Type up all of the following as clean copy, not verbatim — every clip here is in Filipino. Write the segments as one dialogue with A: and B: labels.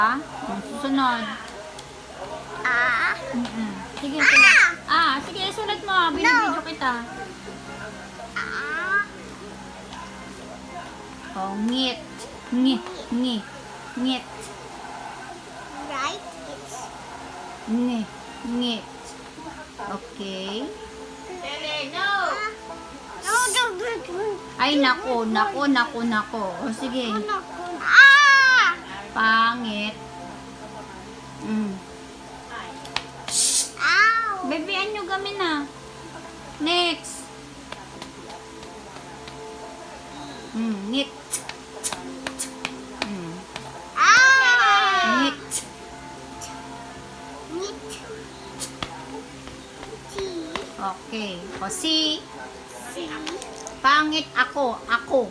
A: Susunod. Sige, sulat. Sige, sulat mo. Binibidyo kita. Ngit. Ngit. Ngit. Ngit.
B: Right? It's
A: Ngit. Ngit. Okay.
B: no.
A: Ay, nako. O, sige. Pangit.
B: Ow.
A: Baby, anyo gamin na. Next. Ngit. Ngit. Okay. O, si. Pangit ako. Ako.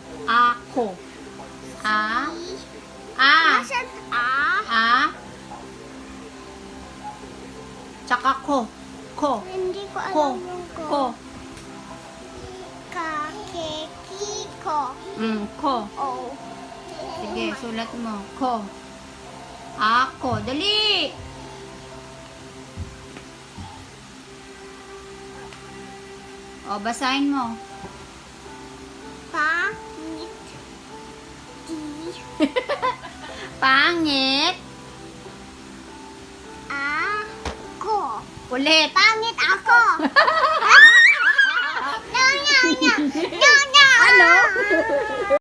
B: Nasaan
A: Tsaka ko.
B: Hindi ko
A: Ko.
B: alam yung
A: Ko.
B: Kakekiko.
A: Ko.
B: Oh.
A: Sige, sulat mo. Ko. Ako. Dali! O, basahin mo.
B: Pangit.
A: Pangit.
B: Ako.
A: Ulit.
B: Pangit ako. No.
A: Ano?